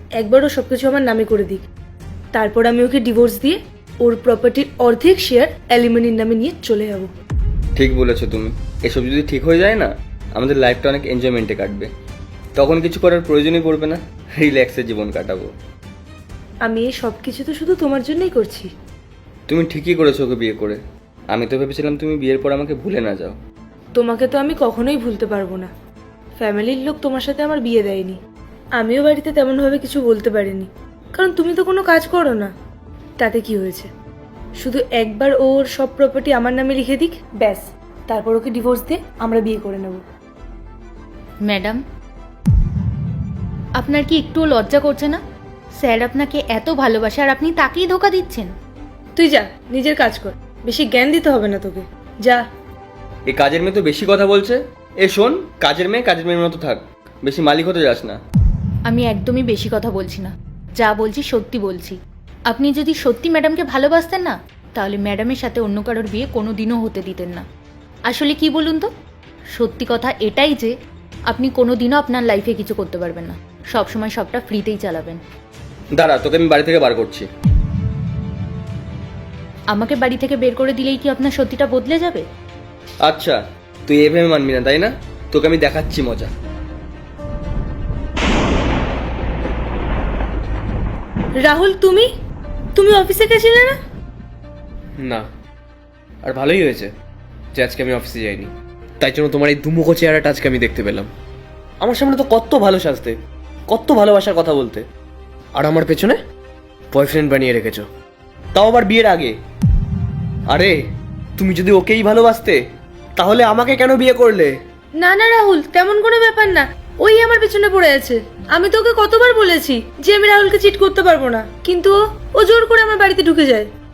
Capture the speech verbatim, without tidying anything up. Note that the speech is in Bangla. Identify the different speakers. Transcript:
Speaker 1: একবার ও সবকিছু আমার নামে করে দিক, তারপর আমি ওকে ডিভোর্স দিয়ে ওর প্রপার্টির অর্ধেক শেয়ার অ্যালিমনির নামে নিয়ে চলে যাব।
Speaker 2: ঠিক বলেছো তুমি। এসব যদি ঠিক হয়ে যায় না, আমাদের লাইফটা অনেক এনজয়মেন্টে কাটবে। তখন কিছু করার প্রয়োজনই পড়বে না, রিল্যাক্সে জীবন কাটাবো।
Speaker 1: আমি এই সব কিছু তো শুধু তোমার জন্যই করছি।
Speaker 2: তুমি ঠিকই করেছো ওকে বিয়ে করে। আমি তো ভেবেছিলাম তুমি বিয়ের পর আমাকে ভুলে না যাও।
Speaker 1: তোমাকে তো আমি কখনোই ভুলতে পারবো না। ফ্যামিলির লোক তোমার সাথে আমার বিয়ে দেয়নি, আমিও বাড়িতে তেমনভাবে কিছু বলতে পারিনি, কারণ তুমি তো কোনো কাজ করো না। তাতে কি হয়েছে, শুধু একবার ওর সব প্রপার্টি আমার নামে লিখে দিক, ব্যাস, তারপর ওকে ডিভোর্স দিয়ে আমরা বিয়ে করে নেব।
Speaker 3: ম্যাডাম, আপনার কি একটুও লজ্জা করছে না? স্যার আপনাকে এত ভালোবাসে আর আপনি তাকেই ধোকা দিচ্ছেন।
Speaker 1: তুই যা, নিজের কাজ কর, বেশি জ্ঞান দিতে হবে না তোকে, যা।
Speaker 2: এই কাজের মেয়ে তো বেশি কথা বলছে। এ শোন, কাজের মেয়ে কাজের মেয়ের মতো থাক, বেশি মালিক হতে যাস না।
Speaker 3: আমি একদমই বেশি কথা বলছি না, যা বলছি সত্যি বলছি। আপনি যদি সত্যি ম্যাডামকে ভালোবাসতেন না, তাহলে ম্যাডামের সাথে অন্য কারোর বিয়ে কোনো দিনও হতে দিতেন না। আসলে কি বলুন তো, সত্যি কথা এটাই যে আপনি কোনো দিনও আপনার লাইফে কিছু করতে পারবেন না, সবসময় সবটা ফ্রিতেই চালাবেন।
Speaker 2: দাঁড়া, তোকে আমি বাড়ি থেকে বার করছি।
Speaker 3: আমাকে বাড়ি থেকে বের করে দিলেই কি আপনার সত্যিটা বদলে যাবে?
Speaker 2: আচ্ছা, তুই এভাবে মানবি না তাই না? তোকে আমি দেখাচ্ছি মজা।
Speaker 1: রাহুল, তুমি তুমি অফিসে গেছিলে না?
Speaker 4: না, আর ভালোই হয়েছে যে আজকে আমি অফিসে যাইনি। তাই জন্য তোমার এই দুমুখো চেহারাটা আজকে আমি দেখতে পেলাম। আমার সামনে তো কত ভালো সাজতে, কত ভালোবাসার কথা বলতে, আর আমার পেছনে বয়ফ্রেন্ড বানিয়ে রেখেছো, তাও আবার বিয়ের আগে। আরে তুমি যদি ওকেই ভালোবাসতে, তাহলে আমাকে কেন বিয়ে করলে?
Speaker 1: না না রাহুল, তেমন কোনো ব্যাপার না, ওই আমার পিছনে পড়ে আছে। আমি তোকে কতবার বলেছি যে আমি রাহুলকে চিট করতে পারবো না, কিন্তু ও ও জোর করে আমার বাড়িতে ঢুকে যায়।